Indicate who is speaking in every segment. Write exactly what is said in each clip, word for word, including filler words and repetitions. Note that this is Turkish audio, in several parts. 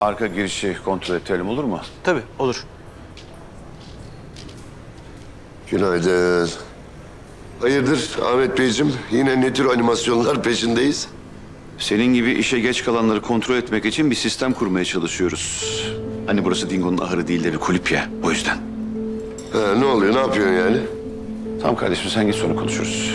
Speaker 1: Arka girişi kontrol edelim, olur mu?
Speaker 2: Tabii, olur.
Speaker 3: Günaydın. Hayırdır Ahmet Beyciğim? Yine ne tür animasyonlar peşindeyiz?
Speaker 1: Senin gibi işe geç kalanları kontrol etmek için bir sistem kurmaya çalışıyoruz. Hani burası Dingo'nun ahırı değil de bir kulüp ya, o yüzden.
Speaker 3: Ha, ne oluyor, ne yapıyorsun yani?
Speaker 1: Tamam kardeşim, sen git sonra konuşuruz.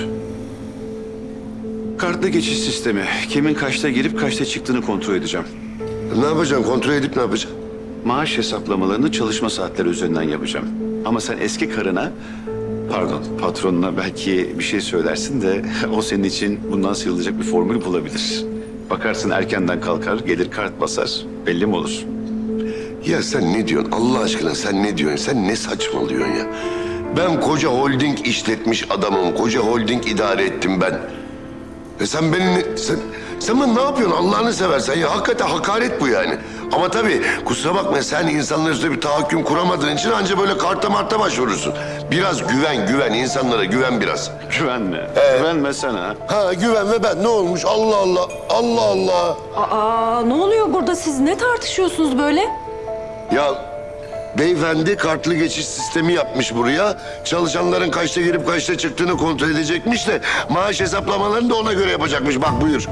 Speaker 1: Kartlı geçiş sistemi. Kimin kaçta gelip kaçta çıktığını kontrol edeceğim.
Speaker 3: Ne yapacaksın, kontrol edip ne yapacaksın?
Speaker 1: Maaş hesaplamalarını çalışma saatleri üzerinden yapacağım. Ama sen eski karına, pardon patronuna belki bir şey söylersin de o senin için bundan sıyrılacak bir formül bulabilir. Bakarsın erkenden kalkar, gelir kart basar, belli mi olur?
Speaker 3: Ya sen ne diyorsun Allah aşkına, sen ne diyorsun? Sen ne saçmalıyorsun ya? Ben koca holding işletmiş adamım, koca holding idare ettim ben. Ve sen beni, ne- sen, sen bana ne yapıyorsun Allah'ını seversen ya? Hakikaten hakaret bu yani. Ama tabii kusura bakma, sen insanlar üstüne bir tahakküm kuramadığın için anca böyle karta marta başvurursun. Biraz güven, güven, insanlara güven biraz.
Speaker 1: Güvenme, güvenme sana.
Speaker 3: Ha güven ve ben ne olmuş Allah Allah, Allah Allah.
Speaker 4: Aa, ne oluyor burada? Siz ne tartışıyorsunuz böyle?
Speaker 3: Ya beyefendi kartlı geçiş sistemi yapmış buraya. Çalışanların kaçta girip kaçta çıktığını kontrol edecekmiş de maaş hesaplamalarını da ona göre yapacakmış. Bak buyur.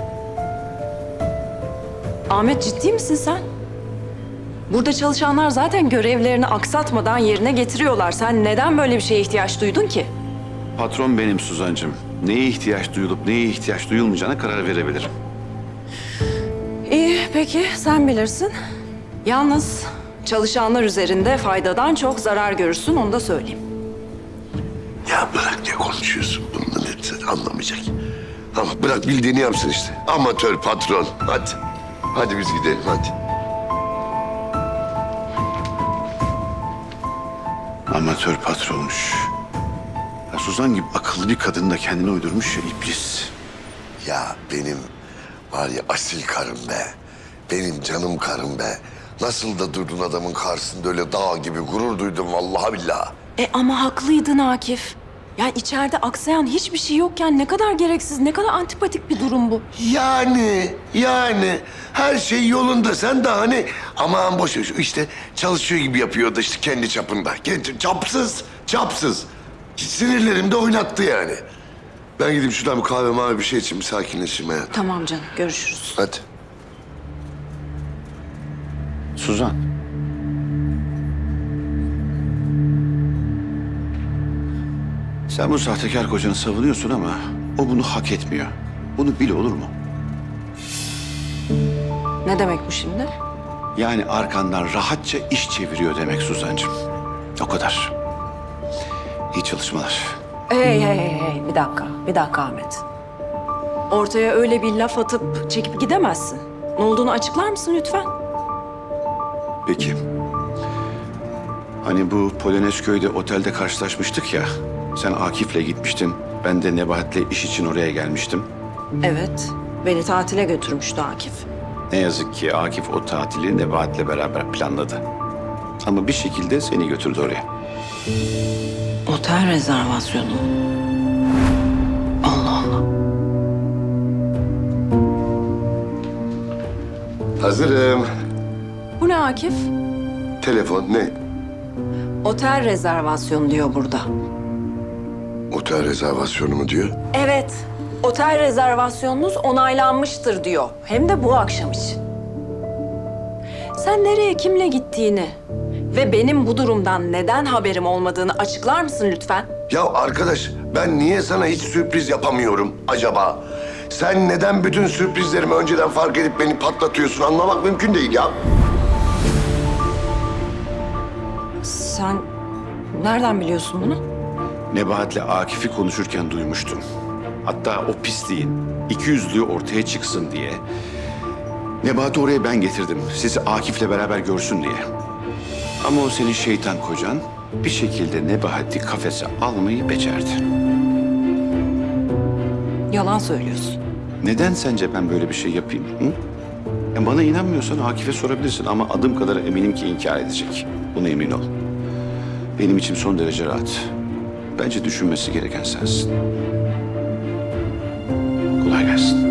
Speaker 4: Ahmet, ciddi misin sen? Burada çalışanlar zaten görevlerini aksatmadan yerine getiriyorlar. Sen neden böyle bir şeye ihtiyaç duydun ki?
Speaker 1: Patron benim Suzancığım. Neye ihtiyaç duyulup neye ihtiyaç duyulmayacağına karar verebilirim.
Speaker 4: İyi, peki sen bilirsin. Yalnız çalışanlar üzerinde faydadan çok zarar görürsün, onu da söyleyeyim.
Speaker 3: Ya bırak, ne konuşuyorsun? Bundan sen anlamayacak. Ama bırak, bildiğini yapsın işte. Amatör patron. Hadi. Hadi biz gidelim hadi.
Speaker 1: Amatör patronmuş. Ya Suzan gibi akıllı bir kadın da kendine uydurmuş ya iblis.
Speaker 3: Ya benim var ya asil karım be. Benim canım karım be. Nasıl da durdun adamın karşısında öyle dağ gibi, gurur duydum vallahi billahi.
Speaker 4: E ama haklıydın Akif. Ya içeride aksayan hiçbir şey yokken ne kadar gereksiz, ne kadar antipatik bir durum bu.
Speaker 3: Yani, yani her şey yolunda. Sen de hani aman boş ver, işte çalışıyor gibi yapıyordu işte kendi çapında. Kendi, çapsız, çapsız. Sinirlerimi de oynattı yani. Ben gidip şuradan bir kahve mavi bir şey için bir sakinleşeyim hayatım.
Speaker 4: Tamam canım, görüşürüz.
Speaker 3: Hadi.
Speaker 1: Suzan. Sen bu sahtekar kocanı savunuyorsun ama o bunu hak etmiyor. Bunu bil, olur mu?
Speaker 4: Ne demek bu şimdi?
Speaker 1: Yani arkandan rahatça iş çeviriyor demek Suzancığım. O kadar. İyi çalışmalar.
Speaker 4: Hey hey hey hey, bir dakika, bir dakika Ahmet. Ortaya öyle bir laf atıp çekip gidemezsin. Ne olduğunu açıklar mısın lütfen?
Speaker 1: Peki. Hani bu Polonezköy'de otelde karşılaşmıştık ya. Sen Akif'le gitmiştin. Ben de Nebahat'le iş için oraya gelmiştim.
Speaker 4: Evet, beni tatile götürmüştü Akif.
Speaker 1: Ne yazık ki Akif o tatili Nebahat'le beraber planladı. Ama bir şekilde seni götürdü oraya.
Speaker 4: Otel rezervasyonu. Allah Allah.
Speaker 3: Hazırım.
Speaker 4: Bu ne Akif?
Speaker 3: Telefon ne?
Speaker 4: Otel rezervasyonu diyor burada.
Speaker 3: Otel rezervasyonu mu diyor?
Speaker 4: Evet, otel rezervasyonunuz onaylanmıştır diyor. Hem de bu akşam için. Sen nereye, kimle gittiğini ve benim bu durumdan neden haberim olmadığını açıklar mısın lütfen?
Speaker 3: Ya arkadaş, ben niye sana hiç sürpriz yapamıyorum acaba? Sen neden bütün sürprizlerimi önceden fark edip beni patlatıyorsun, anlamak mümkün değil ya.
Speaker 4: Sen nereden biliyorsun bunu?
Speaker 1: Nebahat'le Akif'i konuşurken duymuştum. Hatta o pisliğin iki yüzlüğü ortaya çıksın diye Nebahat'i oraya ben getirdim. Sizi Akif'le beraber görsün diye. Ama o senin şeytan kocan bir şekilde Nebahat'i kafese almayı becerdi.
Speaker 4: Yalan söylüyorsun.
Speaker 1: Neden sence ben böyle bir şey yapayım? Hı? Ya bana inanmıyorsan Akif'e sorabilirsin ama adım kadar eminim ki inkar edecek. Buna emin ol. Benim içim son derece rahat. Bence düşünmesi gereken sensin. Kolay gelsin.